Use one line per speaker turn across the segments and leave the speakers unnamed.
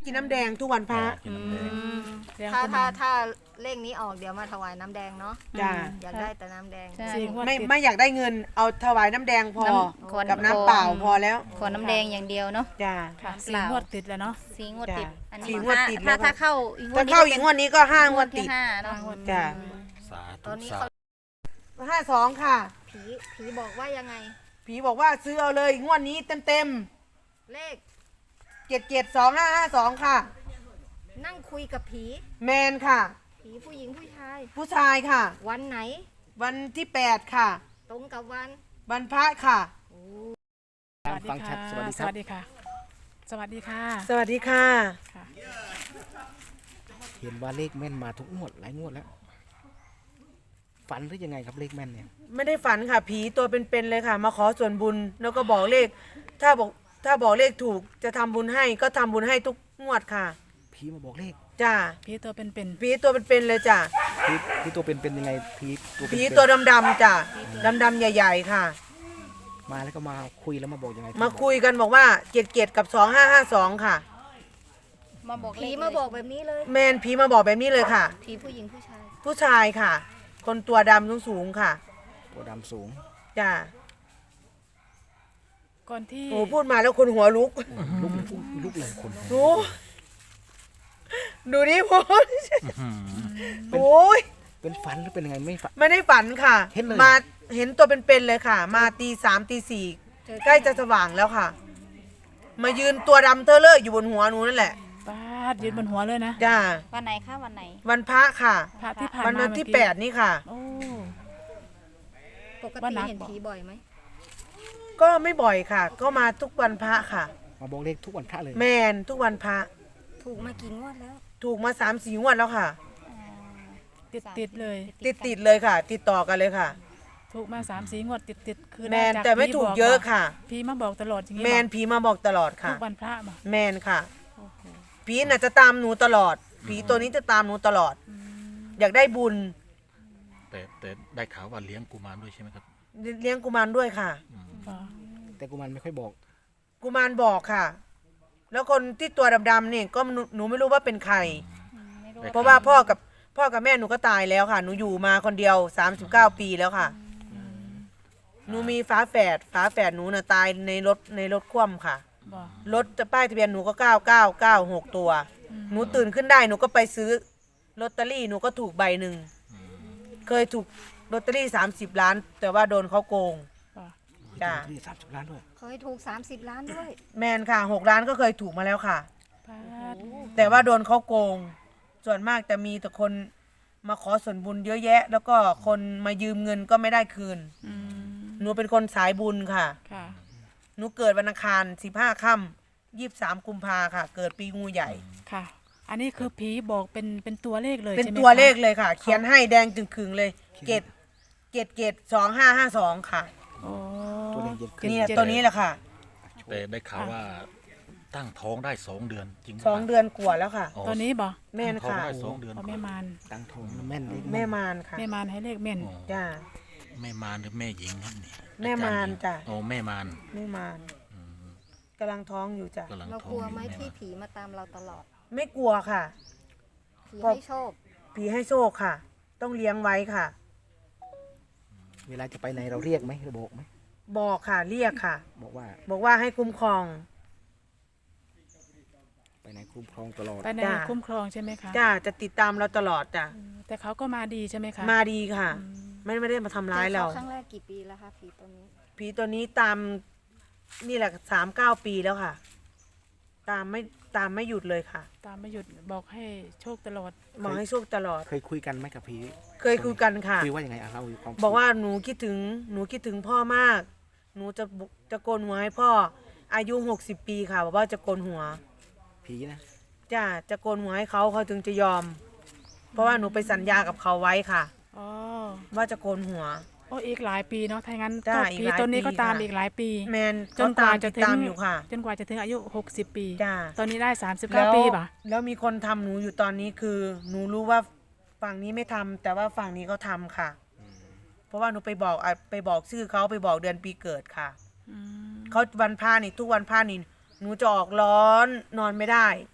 กินน้ำแดงทุกวันพระ
ถ้าเลขนี้ออกเดี๋ยวมาถวายน้ำแดงเนาะ
จ้า
อยากได้แต่น้ำแดง
ไม่อยากได้เงินเอาถวายน้ำแดงพอกับน้ำเปล่าพอแล้ว
ขอน้ำแดงอย่างเดียวเนาะ
จ้า
4 งวดติดแล้วเนาะ
4 งวดติดอันนี้
4 งวดติดแล้ว
ถ้าเข้าอีกงวด
ถ้าเข้าอีกงวดนี้ก็5 งวดติด
5เนาะ
จ้า
สา
ต
ธุ
อนนี้
สา
เขา
ธุ
52ค่ะ
ผีบอกว่ายังไง
ผีบอกว่าซื้อเอาเลยงวดนี้เต็ม
เลข
772552ค่ะ
นั่งคุยกับผี
แมนค่ะ
ผีผู้หญิงผู้ชาย
ผู้ชายค่ะ
วันไหน
วันที่8ค่ะ
ตรงกับวัน
วันพระค่ะ
ฟังชัดสวัสดีค่ะ สวัสดีค่ะ
สวัสดีค่ะ
เห็นว่าเลขแม่นมาทุกงวดหลายงวดแล้ว ฝันหรือยังไงครับเลขแม่นเนี่ย
ไม่ได้ฝันค่ะ ผีตัวเป็นๆเลยค่ะ มาขอส่วนบุญแล้วก็บอกเลข ถ้าบอกเลขถูกจะทำบุญให้ก็ทำบุญให้ทุกงวดค่ะ
ผีมาบอกเลข
จ้า
พี่ตัวเป็น
ผีตัวเป็นๆเลยจ้า
ผีตัวเป็นยังไงผีตัวเป็น
ผีตัวดำๆจ้าดำๆใหญ่ๆค่ะ
มาแล้วก็มาคุยแล้วมาบอกยังไง
มาคุยกันบอกว่า77กับ2552ค่ะ
มาบอกเล
ผี
ข
มาบอกแบบนี้เลย
แมนผีมาบอกแบบนี้เลยค่ะ
ผีผู้หญิงผู้ชาย
ผู้ชายค่ะ คนตัวดำสูงๆค่ะ
ตัวดำสูง
จ้า
ก่อนที่
โอ้พูดมาแล้วคนหัวลุก
ลุกเลยคน
ดูดิพูดโอ้ย
เป็นฝันหรือเป็นยังไงไม่ฝัน
ไม่ได้ฝันค่ะ
เห็นเลย
มาเห็นตัวเป็นๆเลยค่ะ มาตี3ตี4ใกล้จะสว่างแล้วค่ะ มายืนตัวดำเทอะเลอะอยู่บนหัวหนูนั่นแหละ
ปาดยืนบนหัวเลยนะ
จ้า
วันไหนคะวันไหน
วันพระค่ะ
พระที่ผ่าน
วัน
มา
ที่
เมื่อกี้
8นี่ค่ะ
โอ้
ปก
ว่า
ติ
นัก
เห็น
บอก
ผีบ่อยไหม
ก็ไม่บ่อยค่ะ ก็มาทุกวันพระค่ะ
มาบอกเลขทุกวันพระเลย
แมนทุกวันพระ
ถูกมากี่งวดแล้ว
ถูกมา3-4 งวดแล้วค่ะ
ติดเลย
ติดเลยค่ะ ติดต่อกันเลยค่ะ
ถูกมา3-4 งวดติดคือ
แมน
ด้จาก
แต่ไม่ถูกเยอะค่ะ
พี่มาบอกตลอดอย่างนี้
แมนผีมาบอกตลอด
ทุ
ค่ะ
กวันพระมา
แมนค่ะผีน่ะจะตามหนูตลอด ผีตัวนี้จะตามหนูตลอด อยากได้บุญ
แต่ได้ข่าวว่าเลี้ยงกุมารด้วยใช่ไหมครับ
เลี้ยงกุมารด้วยค่ะ
อ๋อ
แต่กุมารไม่ค่อยบอก
กุมารบอกค่ะ แล้วคนที่ตัวดำๆนี่ก็หนูไม่รู้ว่าเป็นใคร
ไม่รู้
เพราะว่าพ่อกับแม่หนูก็ตายแล้วค่ะ หนูอยู่มาคนเดียว39 ปีแล้วค่ะ หนูมีฝาแฝดหนูน่ะตายในรถคว่ำค่ะ
บอก
รถป้ายทะเบียนหนูก็9996ตัว หนูตื่นขึ้นได้หนูก็ไปซื้อลอตเตอรี่หนูก็ถูกใบหนึ่ง เคยถูกลอตเตอรี่30 ล้าน แต่ว่าโดนเขาโกง
บอก
จ้ะ
ที่30 ล้านด้วย
เคยถูก30 ล้านด้วย
แมนค่ะ6 ล้านก็เคยถูกมาแล้วค่ะ
ปาด
แต่ว่าโดนเขาโกง ส่วนมากจะมีแต่คนมาขอส่วนบุญเยอะแยะ แล้วก็คนมายืมเงินก็ไม่ได้คืน
อืม
หนูเป็นคนสายบุญค่ะ
ค่ะ
หนูเกิดวันอังคาร15 ค่ำ23 กุมภาค่ะ เกิดปีงูใหญ่
ค่ะ อันนี้คือผีบอกเป็นตัวเลขเลย
เป็น
ใช่ไหม
ตัวเลข
คะ
เลยค่ะ เขียนให้แดงจึงขึงเลยเกต2552ค่ะ
โอ้
ตัวเลขเย็นขึ้น
เนี่ยตัวนี้แหละค่ะ
แต่ได้ข่าวว่าตั้งท้องได้2 เดือนจริงไหม
2 เดือนกว่าแล้วค่ะ
ตัวนี้บอก
แม่น
ท้อง
ค่ะ
ได้2 เดือน
เอาแม่มาร
ตั้งทองแม่นเลข
แม่มารค่ะ
แม่มารให้เลขแม่น
อ๋อ
จ้า
แม่มารหรือแม่หญิงครับนี่
แม่มารจ้ะ
โอ้แม่มาร
แม่มารกำลังท้องอยู่จ้ะ
กำลัง
เรา
ท้อง
กลัว
อยู่
ไหม
แม่
ที่
มาร
ผีมาตามเราตลอด
ไม่กลัวค่ะ
ผีให้โชค
ผีให้โชคค่ะ ต้องเลี้ยงไว้ค่ะ
เวลาจะไปไหนเราเรียกไหมเราบอกไหม
บอกค่ะเรียกค่ะ
บอกว่า
บอกว่าให้คุ้มครอง
ไปไหนคุ้มครองตลอด
ไปใน
จ้ะ
คุ้มครองใช่ไหมคะ
จ้าจะติดตามเราตลอดจ้ะ
แต่เขาก็มาดีใช่ไหมคะ
มาดีค่ะ ไม่ได้มาทำร้ายเรา
เจอครั้งแรกกี่ปีแล้วคะผีตัวนี้
ผีตัวนี้ตามนี่แหละ39 ปีแล้วค่ะ ตามไม่หยุดเลยค่ะ
ตามไม่หยุดบอกให้โชคตลอด
บอกให้โชคตลอด
เคยคุยกันไหมกับผี
เคยคุยกันค่ะ
คุยว่ายังไงอ่ะเราอยู่ความ
บอกว่าหนูคิดถึงพ่อมาก หนูจะโกนหัวให้พ่อ อายุ60 ปีค่ะบอกว่าจะโกนหัว
ผีนะ
จ้าจะโกนหัวให้เขาถึงจะยอม เพราะว่าหนูไปสัญญากับเขาไว้ค่ะ
อ๋อ
ว่าจะโกนหัว
โอ้อีกหลายปีเนาะถ้างั้น
จ้ะ
ก็
อีก
ผี
หลาย
ตัวนี้
ปี
ก็ตาม
ค่ะ
อีกหลายปี
แมน
จนกว่าจะ
ติดตามอยู่ค่ะ
จนกว่าจะถึงอายุ60 ปี
จ้ะ
ตอนนี้ได้
แล้ว
39 ปีป่ะ
แล้วมีคนทำหนูอยู่ตอนนี้คือ หนูรู้ว่าฝั่งนี้ไม่ทำแต่ว่าฝั่งนี้เขาทำค่ะ เพราะว่าหนูไปบอกชื่อเขาไปบอกเดือนปีเกิดค่ะ
อืม
เขาวันพระนี่ทุกวันพระนี่หนูจะออกร้อนนอนไม่ได้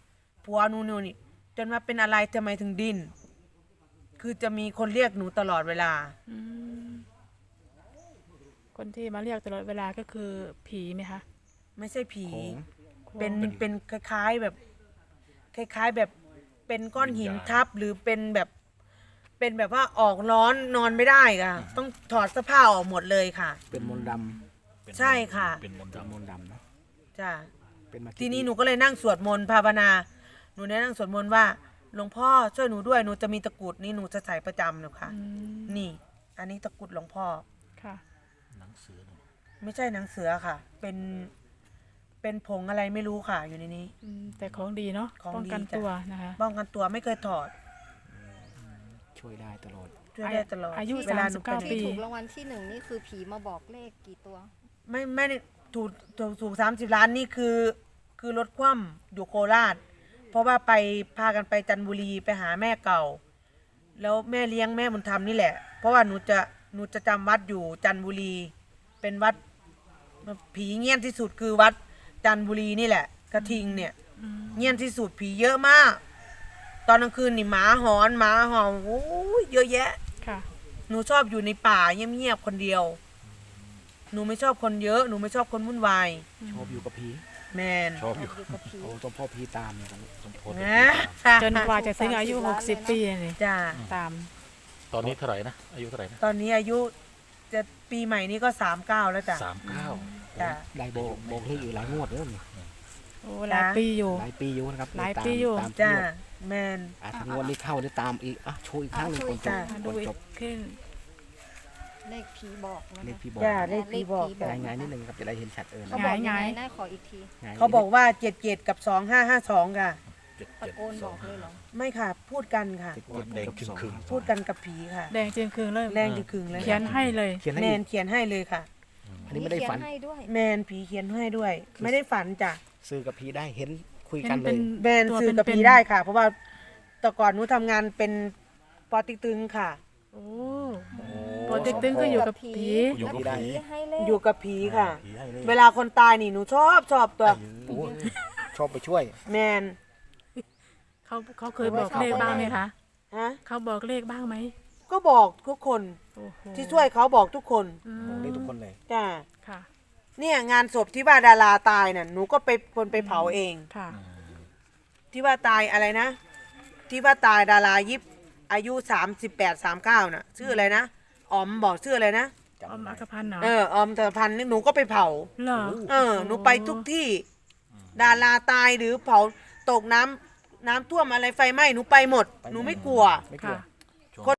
ผัวหนูนี่จนมาเป็นอะไรทำไมถึงดิ้นคือจะมีคนเรียกหนูตลอดเวลา
อืมคนที่มาเรียกตลอดเวลาก็คือผีไหมคะ
ไม่ใช่ผี
โขง
เป็นคล้ายๆแบบคล้ายๆแบบเป็นก้อนหินทับหรือเป็นแบบว่าออกร้อนนอนไม่ได้ค่ะต้องถอดเสื้อผ้าออกหมดเลยค่ะ
เป็นมนต์ด
เป็น
ใช่ค่ะ
เป็นมนต์
ำเป็นม
ดำ
นต์ดำเนอะ
จ้ะ
เป็นมา
ทีนี้หนูก็เลยนั่งสวดมนต์ภาวนาหนูได้นั่งสวดมนต์ว่าหลวงพ่อช่วยหนูด้วยหนูจะมีตะกรุดนี่หนูจะใส่ประจำเลยค่ะ
อืม
นี่ อันนี้ตะกรุดหลวงพ่อ
ค่ะ
หนังเสือเนี่ย
ไม่ใช่หนังเสือค่ะ เป็นผงอะไรไม่รู้ค่ะ อยู่ในนี้
อืมแต่ของดีเนาะ
ของดี
ป้องกัน
จ้ะ
ตัวนะคะ
ป้องกันตัวไม่เคยถอด
ช่วยได้ตลอด
ช่วยได้ตลอด
อายุ
เวลาหนูเป็น
39 ปี
ที่ถูกรางวัลที่ 1นี่คือผีมาบอกเลขกี่ตัว
ไม่ได้ถูก30 ล้านนี่คือรถคว่ำอยู่โคราช เพราะว่าไปพากันไปจันทบุรีไปหาแม่เก่า แล้วแม่เลี้ยงแม่บุญธรรมนี่แหละ เพราะว่าหนูจะจำวัดอยู่จันทบุรี เป็นวัดผีเงี้ยนที่สุดคือวัดจันทบุรีนี่แหละ กระทิงเนี่ยเงี้ยนที่สุดผีเยอะมาก ตอนกลางคืนนี่หมาหอนหมาเห่าโอ้ยเยอะแยะ
ค่ะ
หนูชอบอยู่ในป่าเงียบๆคนเดียว หนูไม่ชอบคนเยอะหนูไม่ชอบคนวุ่นวาย
ชอบอยู่กับผี
แมน
ชอบอยู่
อยู่กับผี
โอ้ต้องพ่อผีตามเนี่ยตอนนี้
ต้องโทษ
นะ
จนกว่าจะถึงอายุ 60 ปีเลย
จ้า
ตาม
ตอนนี้เท่าไหร่นะอายุเท่าไหร่นะ
ตอนนี้อายุจะปีใหม่นี้ก็39แล้วจ้ะ
39
จ้ะ
ได้บอกเลขอยู่หลายงวดแล้วนี่
โอ้หลายปีอยู่
หลายปีอยู่นะครับ
หลายปีอยู่
ตาม
จ้า
ทุกงวด
แมน
ถ้างวดนี้เข้าได้ตามอีกโชว์อีกครั้งหนึ่งก่อนจบ
จ้ะ
มา
ก่
ดู
อน
อี
จ
ก
บ
ขึ้น
เลขผีบอกนะ
เลข
คะ
พี่บอก
จ้าเลขผีบอก
เลขผี
รายงานนิดนึงครับจะได้เห็นชัดนะ
เขาบอกยัง
ห
ไง
งาย
น่าขออีกที
เขาบอกว่า77กับ2552ค่ะ
ตะโกนบอกเลยเหรอ
ไม่ค่ะ พูดกันค่ะ
แดงครึ่ง
พูดกันกับผีค่ะ
แดงจึงคืนเลย
แรงจะขึงเลย
เขียนให้เลย
เขียนให้
แม
อี
น
ก
เขียนให้เลยค่ะ
อันนี้ไม่ได้ฝัน
เขียให้ด้วย
แมนผีเขียนให้ด้วย ไม่ได้ฝันจ้ะ
ซื้อกับผีได้เห็นคุยกันเล
เป็
ย
น
แมน
ตัว
สื่อกับ
เป็น
ผี
ๆ
ได้ค่ะ เพราะว่าแต่ก่อนหนูทำงานเป็นปอติ๊กตึงค่ะ
โอ้โปรเจกต์ตึงก็อยู่กับผี
อยู่กับผี
ให้เลข
อยู่กับผีค่ะ
ผีให้เลข
เวลาคนตายนี่หนูชอบตัว
โอ้ชอบไปช่วย
แมน
เขาเคยบอกเลขบ้างไหมคะ
ฮะ
เขาบอกเลขบ้างไหม
ก็บอกทุกคน
โอ้โห
ที่ช่วยเขาบอกทุกคน
อืม
บอกได้ทุกคนเลย
จ้า
ค่ะ
เนี่ยงานศพที่ว่าดาราตายน่ะหนูก็ไปคนไปเผาเอง
ค่ะ
ที่ว่าตายอะไรนะ ที่ว่าตายดารายิบอายุ38 39น่ะชื่ออะไรนะอ๋อมบอกชื่ออะไรนะ
อมอัคพันธ์เหรอ
ออมเตอพันธ์นี่หนูก็ไปเผา
เหรอ
หนูไปทุกที่ ดาราตายหรือเผาตกน้ำท่วมอะไรไฟไหม้หนูไปหมด หนูไม่กลัว
ไม่กลัว
ค่ะ